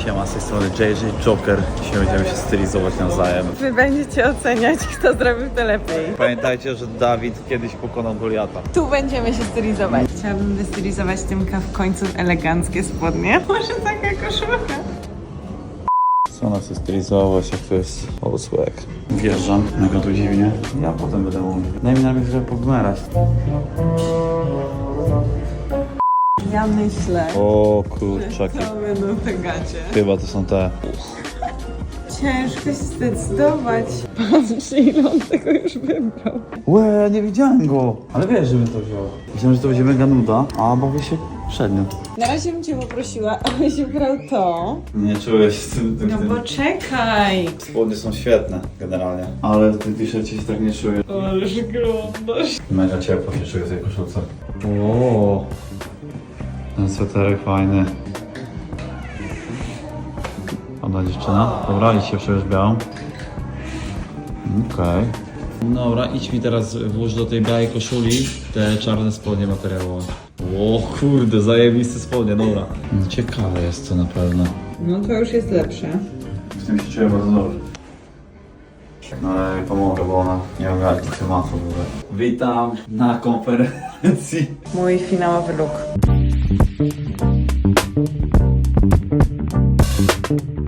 Siema, z tej strony JJ Joker. Dzisiaj będziemy się stylizować nawzajem. Wy będziecie oceniać, kto zrobił to lepiej. Pamiętajcie, że Dawid kiedyś pokonał Goliata. Tu będziemy się stylizować. Chciałabym wystylizować Tymka w końcu w eleganckie spodnie. Może taka koszulka. Co nas chce stylizować, jak to jest swag. Wjeżdżam, mega tu dziwnie. Ja potem będę mówił. Daj mi najpierw trochę pogmerać. Ja myślę, O kurczaki. to będą te gacie. Chyba to są te. Ciężko się zdecydować. Patrz, ile on tego już wybrał. Łe, nie widziałem go. Ale wiesz, żebym to wziął. Myślałem, że to będzie mega nuda, a bawię się przednio. Na razie bym cię poprosiła, abyś wybrał to. Nie czuję się z tym. No bo czekaj. Spodnie są świetne generalnie, ale w tym t-shircie się tak nie czuję. Ależ wyglądasz. Mega ciepło się czuję w tej koszulce. O, ten sweterek fajny. Ładna dziewczyna. Dobra, idź się przebierz białą. Okej. Dobra, idź mi teraz włóż do tej białej koszuli te czarne spodnie materiałowe. O kurde, zajebiste spodnie, dobra. Ciekawe jest to na pewno. No to już jest lepsze. Z tym się czuję bardzo dobrze. No ale jej pomogę, bo ona nie ogarnia tematu w ogóle. Witam na konferencji. Mój finałowy look.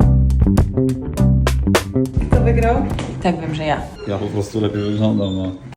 Kto wygrał? Tak wiem, że ja. Ja po prostu lepiej wyglądam, no.